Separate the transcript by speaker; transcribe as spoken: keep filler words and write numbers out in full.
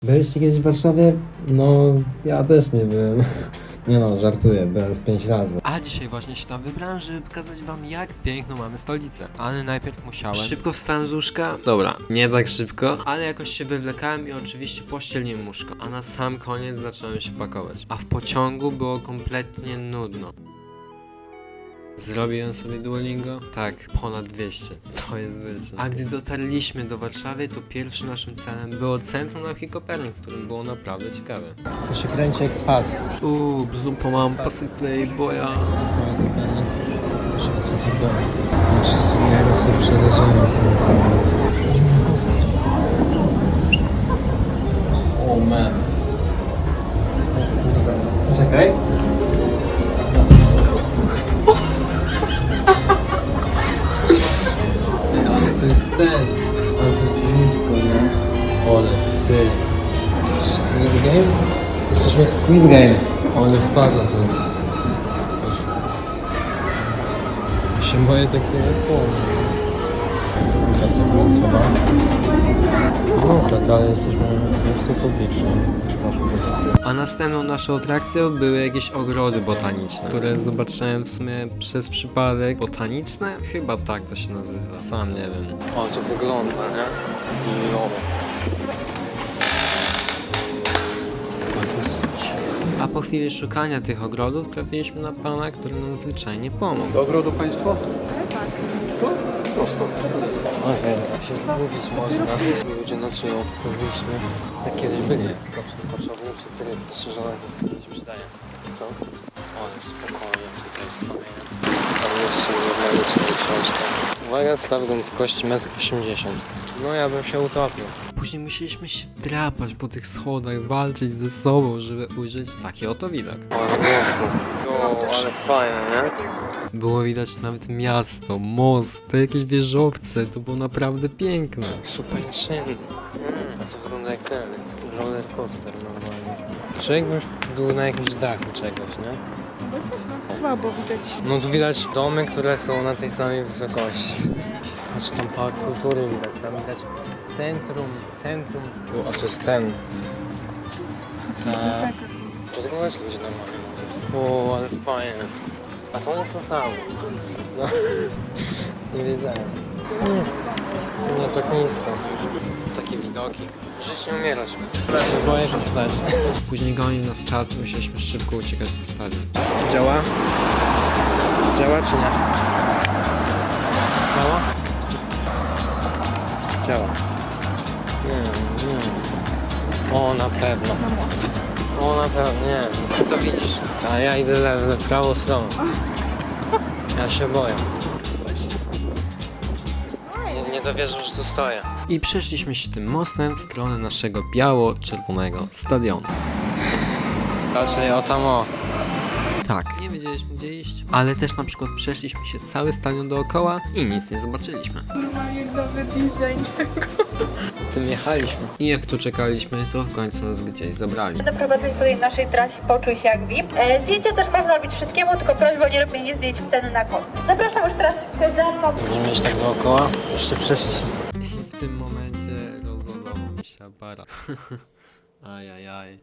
Speaker 1: Byliście kiedyś w Warszawie? No, ja też nie byłem. Nie no, żartuję, byłem z pięć razy.
Speaker 2: A dzisiaj właśnie się tam wybrałem, żeby pokazać wam, jak piękną mamy stolicę. Ale najpierw musiałem... Szybko wstałem z łóżka? Dobra, nie tak szybko, ale jakoś się wywlekałem i oczywiście pościeliłem łóżko. A na sam koniec zacząłem się pakować. A w pociągu było kompletnie nudno. Zrobiłem sobie Duolingo? Tak, ponad dwieście. To jest wyczyn. A gdy dotarliśmy do Warszawy, to pierwszym naszym celem było Centrum Nauki Kopernik, w którym było naprawdę ciekawe.
Speaker 1: To się kręci jak pas.
Speaker 2: Uuu, bzupa mam pasy playboya.
Speaker 1: Trzeba trochę do... Ja go sobie przeleżymy sobie. O man. Czekaj. Ale to jest ten. Ale to jest nisko, nie? Ole, ty. Squid Game? Jesteśmy w Squid Game. Ale faza to. Się boję takiego pozy. Jak to było chyba? No tak, ale jesteśmy miejscu publicznym. Już masz po
Speaker 2: A następną naszą atrakcją były jakieś ogrody botaniczne, które zobaczyłem w sumie przez przypadek. Botaniczne? Chyba tak to się nazywa. Sam nie wiem.
Speaker 1: O, to wygląda, nie? I o.
Speaker 2: A po chwili szukania tych ogrodów trafiliśmy na pana, który nam zwyczajnie pomógł.
Speaker 3: Do ogrodu państwo? Tak. To prosto.
Speaker 1: Okej, okay. Się zgubić można. Ludzie nocują. To byliśmy, jak kiedyś byli. Koczowniczy, który poszerzona historia mi się przydaje. Co? Ale spokojnie tutaj fajnie. Tam jeszcze nie mamy sobie książkę. Uwaga, stawką w kości metr osiemdziesiąt. No ja bym się utopił.
Speaker 2: Później musieliśmy się wdrapać po tych schodach, walczyć ze sobą, żeby ujrzeć taki oto widok.
Speaker 1: Ale mocno. O, ale fajne, nie?
Speaker 2: Było widać nawet miasto, most, te jakieś wieżowce, to było naprawdę piękne.
Speaker 1: Super czynny. Mm, to wygląda jak ten roller coaster normalnie. Człowiek by był na jakimś dachu czegoś, nie?
Speaker 4: Słabo widać.
Speaker 1: No tu widać domy, które są na tej samej wysokości. Patrz, tam pałac kultury widać, tam widać centrum, centrum. O, a to jest ten. A... Podróżować ludzie normalnie. O, ale fajne. A to jest to samo. No. Nie wiedziałem. Hmm. Nie tak nisko. Takie widoki. Żyć nie umierać. Się boję się stać.
Speaker 2: Później gonił nas czas, musieliśmy szybko uciekać na stadion.
Speaker 1: Działa? Działa czy nie? Działa? Działa. Nie, nie. O, na pewno. O, na pewno, nie. Ty to widzisz. A ja idę lewo, w prawą stronę. Ja się boję. Nie, nie dowierzę, że tu stoję.
Speaker 2: I przeszliśmy się tym mostem w stronę naszego biało-czerwonego stadionu.
Speaker 1: Raczej o tam o.
Speaker 2: Tak, nie wiedzieliśmy gdzie iść, ale też na przykład przeszliśmy się cały stadion dookoła i nic nie zobaczyliśmy.
Speaker 4: Normalnie nowy design tego.
Speaker 1: Tym jechaliśmy.
Speaker 2: I jak tu czekaliśmy, to w końcu nas gdzieś zabrali.
Speaker 5: Doprowadzać tutaj naszej trasie Poczuj się jak V I P. E, zdjęcia też można robić wszystkiemu, tylko prośba o nie robienie zdjęć w ceny na kod. Zapraszam już teraz za mną.
Speaker 1: Będziemy mieć tak dookoła. Jeszcze przeszliśmy.
Speaker 2: I w tym momencie rozładował mi się aparat. Ajajaj.